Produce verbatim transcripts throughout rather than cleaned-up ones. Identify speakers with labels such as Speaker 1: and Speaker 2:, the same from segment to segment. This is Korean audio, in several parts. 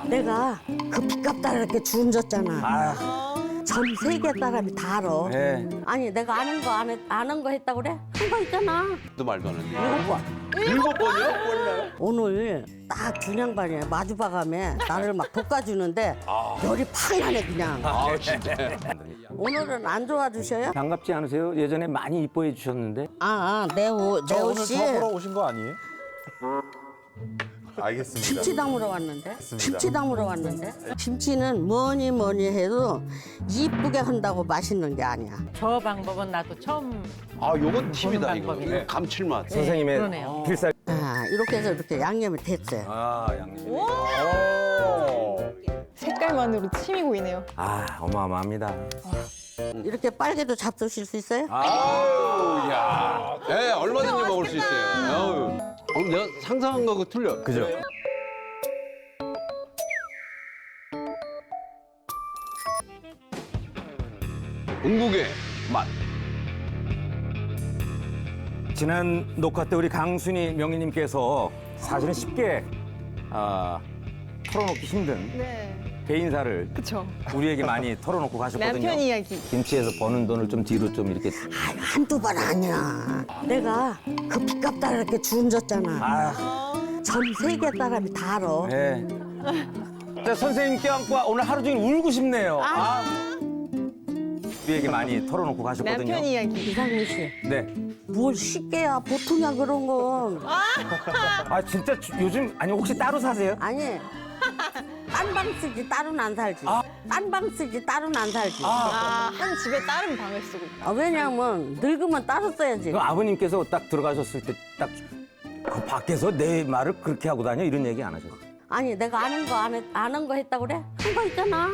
Speaker 1: 내가 그 빚값다 이렇게 주운졌잖아.
Speaker 2: 아,
Speaker 1: 전 세계 사람이 다 알아.
Speaker 2: 네.
Speaker 1: 아니 내가 아는 거 안, 아는 거 했다고 그래? 한 거 있잖아.
Speaker 3: 또 말도 안 했는데.
Speaker 1: 일곱 번.
Speaker 3: 일곱 번이요? 몰라요.
Speaker 1: 오늘 딱 준양반에 마주 봐가며 나를 막 볶아주는데 열이 팍 나네 그냥.
Speaker 3: 아, 진짜.
Speaker 1: 오늘은 안 좋아주셔요?
Speaker 2: 반갑지 않으세요? 예전에 많이 이뻐해 주셨는데.
Speaker 1: 아, 아 네오
Speaker 4: 저
Speaker 1: 네오
Speaker 4: 오늘
Speaker 1: 씨
Speaker 4: 저 보러 오신 거 아니에요? 알겠습니다.
Speaker 1: 김치 담으러 왔는데.
Speaker 4: 맞습니다.
Speaker 1: 김치 담으러 왔는데. 김치는 뭐니 뭐니 해도 이쁘게 한다고 맛있는 게 아니야.
Speaker 5: 저 방법은 나도 처음.
Speaker 3: 아, 요건 팁이다,
Speaker 5: 보는
Speaker 3: 이거.
Speaker 5: 방법이네.
Speaker 3: 이거 감칠맛.
Speaker 2: 선생님의
Speaker 5: 그러네요.
Speaker 2: 필살.
Speaker 1: 아, 이렇게 해서 이렇게 양념이 됐어요.
Speaker 2: 아, 양념.
Speaker 4: 오.
Speaker 6: 색깔만으로 침이 고이네요.
Speaker 2: 아, 어마어마합니다.
Speaker 1: 이렇게 빨개도 잡수실 수 있어요?
Speaker 3: 아우, 야. 예, 얼마든지 먹을 수 있어요. 아우. 어, 내가 상상한 거하고 틀려.
Speaker 2: 그죠?
Speaker 3: 중국의 맛.
Speaker 2: 지난 녹화 때 우리 강순희 명희님께서 사실은 쉽게 아, 털어놓기 힘든
Speaker 6: 네.
Speaker 2: 개인사를
Speaker 6: 그쵸.
Speaker 2: 우리에게 많이 털어놓고 가셨거든요.
Speaker 6: 남편 이야기.
Speaker 2: 김치에서 버는 돈을 좀 뒤로 좀 이렇게.
Speaker 1: 아, 한두 번 아니야. 내가 그 빚값다 이렇게 주운졌잖아.
Speaker 2: 아,
Speaker 1: 전 세계 사람이 다 알아.
Speaker 2: 네. 자, 선생님 껴안고 오늘 하루 종일 울고 싶네요. 아. 우리에게 많이 털어놓고 가셨거든요.
Speaker 6: 남편 이야기.
Speaker 1: 이상민 씨,
Speaker 2: 네.
Speaker 1: 뭘 쉽게야 보통이야 그런 건.
Speaker 2: 아, 진짜 주- 요즘 아니 혹시 따로 사세요?
Speaker 1: 아니, 딴 방 쓰지 따로는 안 살지.
Speaker 2: 아.
Speaker 1: 딴 방 쓰지 따로는 안 살지.
Speaker 6: 아, 한 집에 다른 방을 쓰고 있다.
Speaker 1: 아, 왜냐면 늙으면 따로 써야지.
Speaker 2: 그 아버님께서 딱 들어가셨을 때 딱 그 밖에서 내 말을 그렇게 하고 다녀 이런 얘기 안 하셨어요?
Speaker 1: 아니 내가 아는 거 안, 아는 거 했다고 그래? 한 거 있잖아.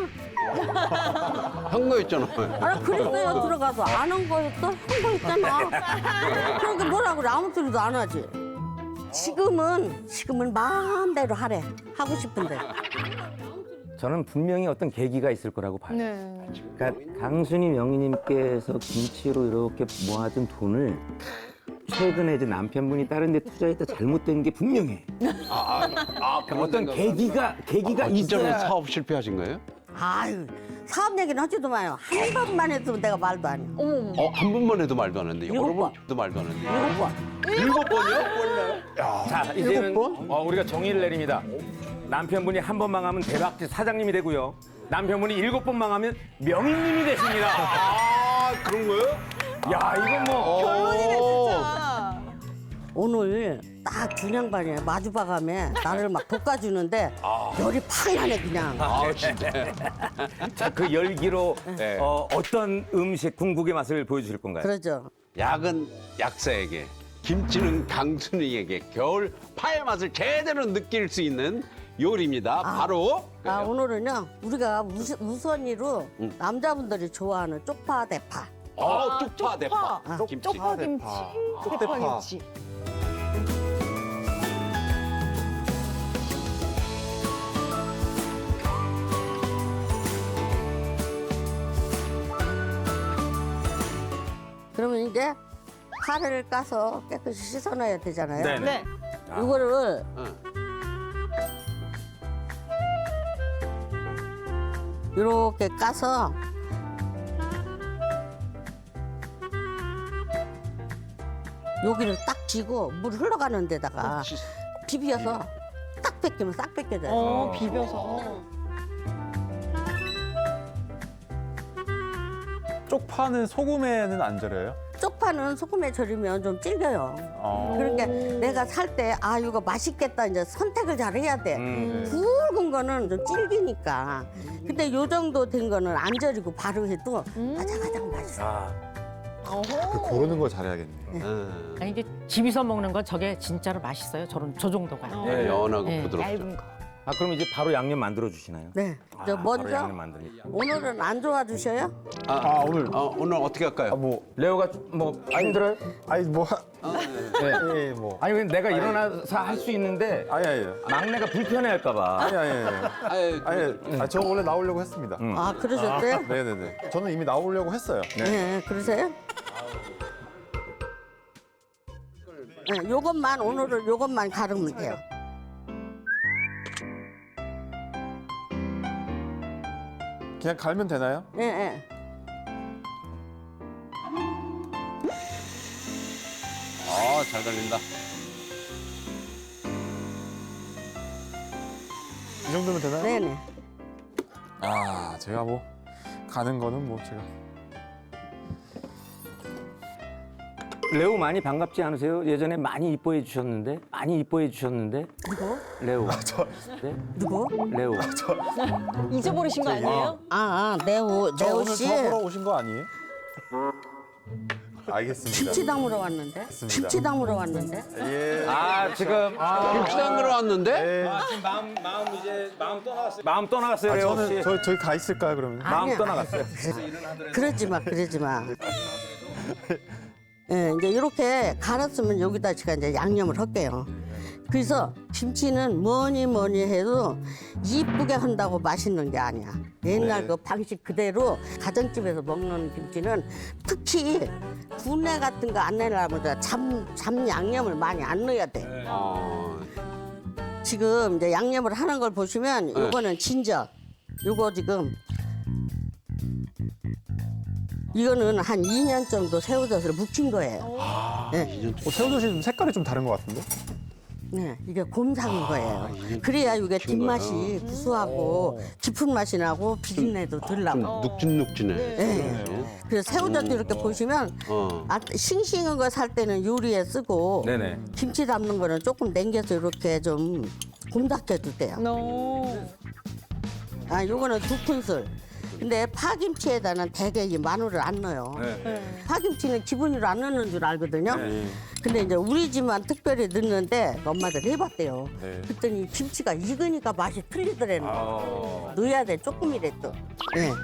Speaker 3: 한 거 있잖아.
Speaker 1: 아, 그랬어요. 들어가서 아는 거 했어? 한 거 있잖아. 그러니까 뭐라 그래? 아무 소리도 안 하지. 지금은 지금은 마음대로 하래. 하고 싶은데.
Speaker 2: 저는 분명히 어떤 계기가 있을 거라고 봐요.
Speaker 6: 네.
Speaker 2: 그러니까 강순희 명희님께서 김치로 이렇게 모아둔 돈을 최근에 이제 남편분이 다른 데 투자했다 잘못된 게 분명해.
Speaker 3: 아, 아,
Speaker 2: 그러니까 어떤 계기가 계기가
Speaker 3: 아, 진짜로
Speaker 2: 있어야.
Speaker 3: 사업 실패하신 거예요?
Speaker 1: 아유, 사업 얘기는 하지도 마요. 한 번만 했으면 내가 말도 안 해.
Speaker 6: 어머머.
Speaker 3: 어, 한 번만 해도 말도 안 했는데.
Speaker 1: 일곱
Speaker 3: 여러
Speaker 1: 번.
Speaker 3: 번도 말도 안 했는데.
Speaker 1: 일곱 번.
Speaker 3: 일곱 번이요? 몰라요.
Speaker 2: 자, 이제는
Speaker 1: 일곱
Speaker 2: 어, 우리가 정의를 내립니다. 남편분이 한 번 망하면 대박집 사장님이 되고요. 남편분이 일곱 번 망하면 명인님이 되십니다.
Speaker 3: 아, 그런 거요?
Speaker 2: 야, 이건 뭐.
Speaker 6: 결론이네, 진짜.
Speaker 1: 오늘 딱 준양반에 마주 봐가며 나를 막 볶아주는데 열이 팍 나네 그냥.
Speaker 3: 아, 진짜.
Speaker 2: 자, 그 열기로
Speaker 3: 네.
Speaker 2: 어, 어떤 음식, 궁극의 맛을 보여주실 건가요?
Speaker 1: 그러죠.
Speaker 3: 약은 약사에게, 김치는 강순이에게 겨울 파의 맛을 제대로 느낄 수 있는 요리입니다. 바로
Speaker 1: 아, 오늘은요 우리가 우스, 우선이로 남자분들이 좋아하는 쪽파 대파.
Speaker 3: 어, 쪽파 대파.
Speaker 6: 쪽파.
Speaker 3: 김치.
Speaker 6: 쪽파 김치.
Speaker 4: 쪽대파.
Speaker 6: 대파 김치.
Speaker 1: 그러면 이제 파를 까서 깨끗이 씻어놔야 되잖아요.
Speaker 2: 네네.
Speaker 6: 네.
Speaker 1: 이거를
Speaker 3: 응.
Speaker 1: 이렇게 까서 여기를 딱 쥐고 물 흘러가는 데다가
Speaker 3: 치-
Speaker 1: 비벼서 딱 뺏기면 싹 뺏겨져요.
Speaker 6: 어, 비벼서.
Speaker 4: 쪽파는 소금에는 안 절여요?
Speaker 1: 쪽파는 소금에 절이면 좀 질겨요.
Speaker 4: 어.
Speaker 1: 그러니까 내가 살 때 아 이거 맛있겠다 이제 선택을 잘 해야 돼.
Speaker 2: 음.
Speaker 1: 굵은 거는 좀 질기니까. 근데 요 정도 된 거는 안 절이고 바로 해도 가장가장 맛있어.
Speaker 2: 아,
Speaker 4: 그 고르는 걸 잘해야겠네요.
Speaker 3: 응.
Speaker 5: 아니 이게 집에서 먹는 건 저게 진짜로 맛있어요. 저런 저 정도가.
Speaker 3: 네, 연하고
Speaker 5: 네.
Speaker 3: 부드럽죠.
Speaker 6: 얇은 거.
Speaker 2: 아, 그럼 이제 바로 양념 만들어 주시나요?
Speaker 1: 네. 저
Speaker 2: 아, 바로
Speaker 1: 먼저
Speaker 2: 양념 만드니까.
Speaker 1: 오늘은 안 좋아주셔요?
Speaker 3: 아,
Speaker 4: 아, 오늘
Speaker 3: 어, 오늘 어떻게 할까요?
Speaker 4: 아, 뭐
Speaker 2: 레오가 뭐 힘들어요?
Speaker 4: 아니 뭐
Speaker 2: 네.
Speaker 4: 예, 뭐
Speaker 2: 아니 근데 내가 일어나서 할 수 있는데
Speaker 4: 아니 아니
Speaker 2: 막내가 불편해할까봐.
Speaker 4: 아니 아니 아니
Speaker 3: 아유,
Speaker 4: 아니 아니 저 원래 나오려고 했습니다.
Speaker 1: 아 그러셨어요?
Speaker 4: 네네네. 저는 이미 나오려고 했어요.
Speaker 1: 네. 그러세요? 네, 요것만 오늘은 요것만 가르면 돼요.
Speaker 4: 그냥 갈면 되나요?
Speaker 1: 예, 예.
Speaker 3: 아, 잘 달린다.
Speaker 4: 이 정도면 되나요?
Speaker 1: 네네.
Speaker 4: 아, 제가 뭐 가는 거는 뭐 제가
Speaker 2: 레오 많이 반갑지 않으세요? 예전에 많이 이뻐해 주셨는데 많이 이뻐해 주셨는데
Speaker 1: 누구?
Speaker 2: 레오. 네?
Speaker 1: 누구?
Speaker 2: 레오.
Speaker 6: 잊어버리신 거 아니에요?
Speaker 1: 아, 아 네오,
Speaker 4: 저
Speaker 1: 네오
Speaker 4: 오늘
Speaker 1: 씨.
Speaker 4: 저 보러 오신 거 아니에요? 알겠습니다.
Speaker 1: 김치 담으러 왔는데?
Speaker 4: 맞습니다.
Speaker 1: 김치 담으러 왔는데?
Speaker 4: 예.
Speaker 2: 아 지금
Speaker 3: 김치 담그러 왔는데?
Speaker 4: 예.
Speaker 2: 지금 마음 마음 이제 마음 떠나갔어요. 마음 떠나갔어요,
Speaker 4: 아,
Speaker 2: 레오
Speaker 4: 저는
Speaker 2: 씨.
Speaker 4: 저 저희 가 있을까요 그러면?
Speaker 2: 마음
Speaker 1: 아니야.
Speaker 2: 떠나갔어요.
Speaker 1: 그러지 마, 그러지 마. 예, 이제 이렇게 갈았으면 여기다 제가 이제 양념을 할게요. 그래서 김치는 뭐니 뭐니 해도 이쁘게 한다고 맛있는 게 아니야. 옛날
Speaker 4: 네.
Speaker 1: 그 방식 그대로 가정집에서 먹는 김치는 특히 군내 같은 거 안 내려면 잠, 잠 양념을 많이 안 넣어야 돼.
Speaker 3: 아,
Speaker 1: 지금 이제 양념을 하는 걸 보시면 요거는 진저, 요거 지금 이거는 한 이 년 정도 새우젓을 묵힌 거예요. 네,
Speaker 4: 어, 새우젓이 색깔이 좀 다른 것 같은데?
Speaker 1: 네, 이게 곰삭인 거예요.
Speaker 3: 이게
Speaker 1: 그래야 이게
Speaker 3: 묵힌
Speaker 1: 뒷맛이
Speaker 3: 거예요?
Speaker 1: 구수하고 깊은 맛이 나고 비린내도 덜 나고.
Speaker 3: 좀 눅진눅진해.
Speaker 1: 네. 그래서 새우젓도 이렇게 보시면
Speaker 3: 어.
Speaker 1: 아, 싱싱한 거 살 때는 요리에 쓰고
Speaker 2: 네네.
Speaker 1: 김치 담는 거는 조금 남겨서 이렇게 좀 곰삭해도 돼요.
Speaker 6: 너.
Speaker 1: 아, 요거는 두 큰술. 근데 파김치에다는 대개 이 마늘을 안 넣어요.
Speaker 2: 네.
Speaker 1: 파김치는 기본으로 안 넣는 줄 알거든요.
Speaker 2: 네.
Speaker 1: 근데 이제 우리 집만 특별히 넣는데 엄마들 해봤대요.
Speaker 4: 네.
Speaker 1: 그랬더니 김치가 익으니까 맛이 틀리더래요.
Speaker 2: 아.
Speaker 1: 넣어야 돼, 조금이라도. 네.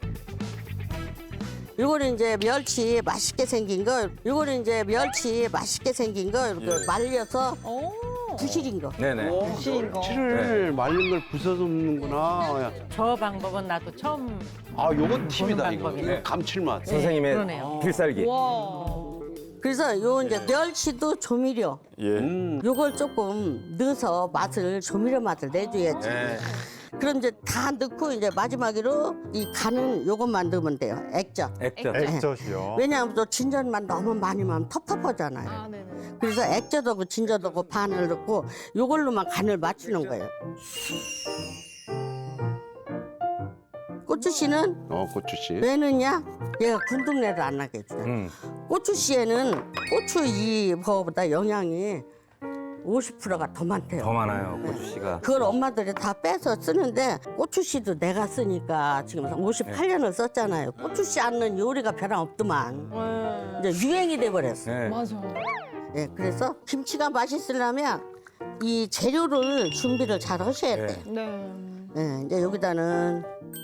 Speaker 1: 요거는 이제 멸치 맛있게 생긴 거, 요거는 이제 멸치 맛있게 생긴 거 이렇게
Speaker 4: 예.
Speaker 1: 말려서
Speaker 6: 오.
Speaker 1: 부실인 거.
Speaker 2: 네네.
Speaker 6: 부실인 거.
Speaker 3: 치를 말린 걸 부숴서 먹는구나. 야.
Speaker 5: 저 방법은 나도 처음
Speaker 3: 아, 요건 팁이다, 이거.
Speaker 5: 방법이네.
Speaker 3: 이거 감칠맛.
Speaker 2: 선생님의
Speaker 5: 그러네요.
Speaker 2: 필살기.
Speaker 6: 와.
Speaker 1: 그래서 요 이제 멸치도 조미료.
Speaker 4: 예.
Speaker 3: 음.
Speaker 1: 요걸 조금 넣어서 맛을 조미료 맛을 내줘야지.
Speaker 2: 네.
Speaker 1: 그럼 이제 다 넣고 이제 마지막으로 이 간은 요것만 넣으면 돼요. 액젓.
Speaker 2: 액젓.
Speaker 4: 액젓이요.
Speaker 1: 왜냐하면 또 진젓만 너무 많이 넣으면 텁텁하잖아요.
Speaker 6: 아, 네네.
Speaker 1: 그래서 액젓하고 진젓하고 반을 넣고 요걸로만 간을 맞추는 거예요. 고추씨는
Speaker 3: 어, 고추씨.
Speaker 1: 왜 넣냐? 얘가 군동내를 안 나게 해줘요.
Speaker 2: 음.
Speaker 1: 고추씨에는 고추 이거보다 영양이 오십 퍼센트가 더 많대요.
Speaker 2: 더 많아요, 고주 씨가.
Speaker 1: 그걸 엄마들이 다 빼서 쓰는데 고추씨도 내가 쓰니까 지금 오십팔 년을 썼잖아요. 고추씨 안 넣은 요리가 변함없더만.
Speaker 6: 네.
Speaker 1: 이제 유행이 돼버렸어.
Speaker 2: 네.
Speaker 6: 맞아.
Speaker 1: 예, 그래서 김치가 맛있으려면 이 재료를 준비를 잘 하셔야
Speaker 2: 네.
Speaker 1: 돼.
Speaker 6: 네.
Speaker 1: 예, 이제 여기다는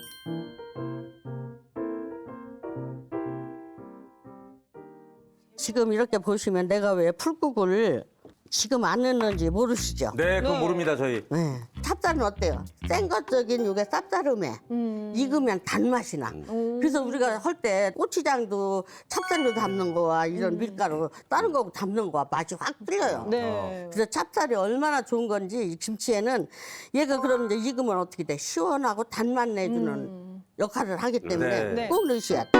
Speaker 1: 지금 이렇게 보시면 내가 왜 풀국을 지금 안 넣는지 모르시죠?
Speaker 2: 네, 그거
Speaker 6: 네.
Speaker 2: 모릅니다, 저희.
Speaker 1: 네. 찹쌀은 어때요? 센 것적인 요게 쌉싸름해.
Speaker 6: 음.
Speaker 1: 익으면 단맛이 나.
Speaker 6: 오.
Speaker 1: 그래서 우리가 할 때 고추장도 찹쌀로 담는 거와 이런 밀가루 다른 거하고 담는 거와 맛이 확 틀려요.
Speaker 6: 네.
Speaker 1: 그래서 찹쌀이 얼마나 좋은 건지 이 김치에는 얘가 그럼 이제 익으면 어떻게 돼? 시원하고 단맛 내주는
Speaker 6: 음.
Speaker 1: 역할을 하기 때문에
Speaker 2: 네.
Speaker 6: 네.
Speaker 1: 꼭 넣으셔야 돼.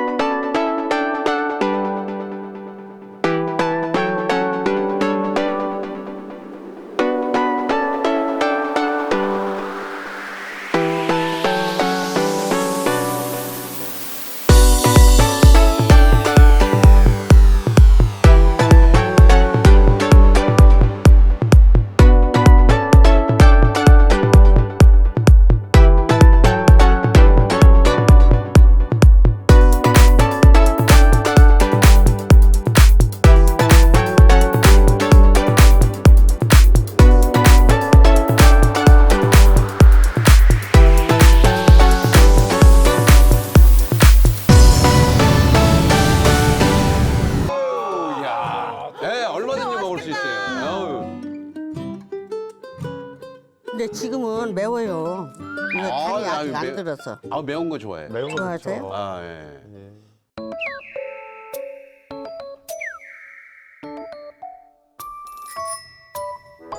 Speaker 3: 네, 얼마든지 먹을 수 있어요. 어우.
Speaker 1: 근데 지금은 매워요. 이거
Speaker 3: 아,
Speaker 1: 간이
Speaker 3: 아유,
Speaker 1: 아직 안
Speaker 3: 매-
Speaker 1: 들어서.
Speaker 3: 아, 매운 거 좋아해.
Speaker 4: 매운 거
Speaker 1: 좋아하세요?
Speaker 4: 좋죠.
Speaker 3: 아, 예.
Speaker 4: 예.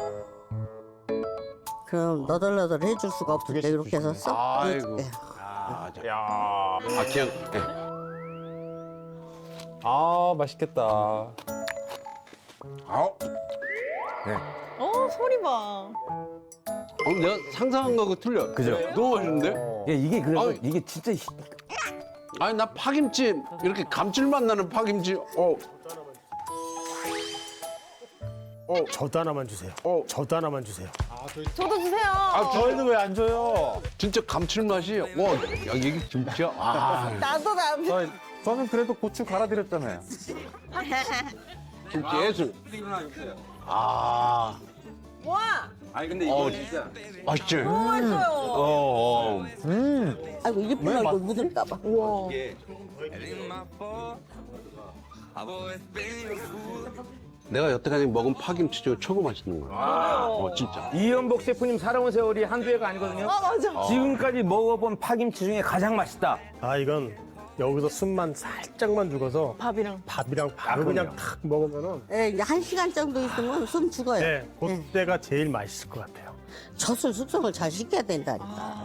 Speaker 1: 그럼 너덜너덜 해줄 수가 없을 때 이렇게 해서 쏙
Speaker 3: 아이고.
Speaker 1: 넣어줄게.
Speaker 3: 아, 자.
Speaker 4: 야,
Speaker 3: 아 그냥 예.
Speaker 4: 아 맛있겠다.
Speaker 3: 아,
Speaker 6: 어, 소리 봐.
Speaker 3: 어, 내가 상상한 거하고 틀려.
Speaker 2: 그죠?
Speaker 3: 너무 맛있는데?
Speaker 2: 야, 이게 그래서
Speaker 3: 아유.
Speaker 2: 이게 진짜 히-
Speaker 3: 아니 나 파김치 이렇게 감칠맛 나는 파김치. 어,
Speaker 7: 저도 하나만 주세요.
Speaker 3: 어.
Speaker 7: 저도 하나만 주세요.
Speaker 6: 저도 주세요.
Speaker 3: 아
Speaker 4: 저희는 왜 안 줘요?
Speaker 3: 진짜 감칠맛이. 와, 야, 이게 김치야. 아,
Speaker 6: 나도 나.
Speaker 4: 저, 저는 그래도 고추 갈아드렸잖아요.
Speaker 3: 김치 예술. 아,
Speaker 6: 와,
Speaker 2: 아니 근데
Speaker 3: 어,
Speaker 2: 진짜
Speaker 3: 맛있지.
Speaker 6: 맛있어요.
Speaker 3: 어, 어.
Speaker 1: 아이고 입에 얼굴 묻을까봐.
Speaker 6: 우와.
Speaker 3: 내가 여태까지 먹은 파김치 중에 최고 맛있는 거야. 어, 진짜.
Speaker 2: 이연복 셰프님 살아온 세월이 한두 해가 아니거든요.
Speaker 6: 아, 맞아.
Speaker 2: 지금까지 먹어본 파김치 중에 가장 맛있다.
Speaker 7: 아 이건 여기서 숨만 살짝만 죽어서
Speaker 6: 밥이랑.
Speaker 7: 밥이랑 바로 그냥 탁 먹으면은
Speaker 1: 예, 이제 한 시간 정도 있으면 숨 죽어요.
Speaker 7: 네, 그때가 제일 맛있을 것 같아요.
Speaker 1: 젖을 숙성을 잘 시켜야 된다니까.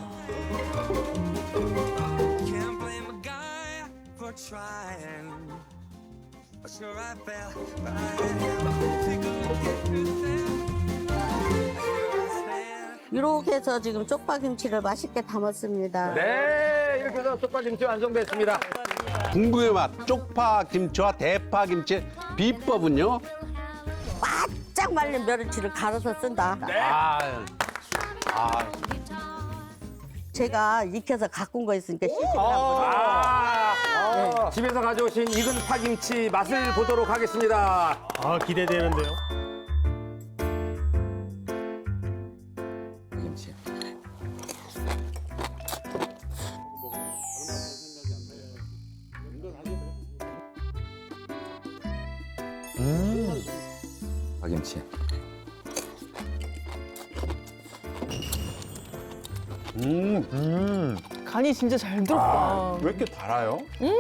Speaker 8: Can't blame a guy for trying. Sure, I fell, but I had take a look at yourself. Here I stand.
Speaker 1: 이렇게 해서 지금 쪽파김치를 맛있게 담았습니다.
Speaker 2: 네, 이렇게 해서 쪽파김치 완성됐습니다.
Speaker 3: 궁극의 맛, 쪽파 김치와 대파 김치 비법은요?
Speaker 1: 바짝 말린 멸치를 갈아서 쓴다.
Speaker 3: 아, 아,
Speaker 1: 제가 익혀서 갖고 온 거 있으니까 시식을 한번.
Speaker 2: 아, 집에서 가져오신 익은 파김치 맛을 보도록 하겠습니다.
Speaker 7: 아 기대되는데요.
Speaker 2: 김치. 파김치.
Speaker 3: 음,
Speaker 6: 간이 진짜 잘 들었다.
Speaker 4: 왜 이렇게 달아요?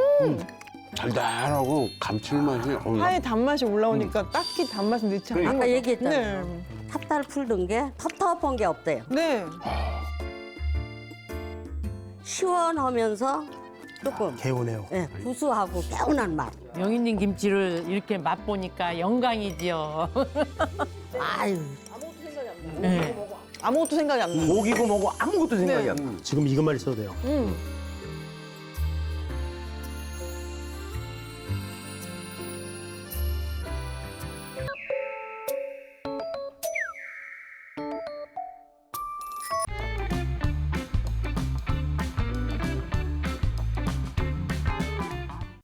Speaker 3: 달달하고 감칠맛이. 어,
Speaker 6: 파의 단맛이 올라오니까 딱히 단맛은 넣지 않아요.
Speaker 1: 아까 얘기했잖아요.
Speaker 6: 네.
Speaker 1: 탑달 풀든 게 텁텁한 게 없대요.
Speaker 6: 네.
Speaker 1: 시원하면서 조금
Speaker 7: 개운해요.
Speaker 1: 예, 구수하고 개운한 맛.
Speaker 5: 영희님 김치를 이렇게 맛보니까 영광이지요.
Speaker 1: 아유,
Speaker 6: 아무것도 생각이 안 나.
Speaker 2: 고기고 뭐고 아무것도 생각이 안 나.
Speaker 7: 지금 이것만 있어도 돼요.
Speaker 6: 음.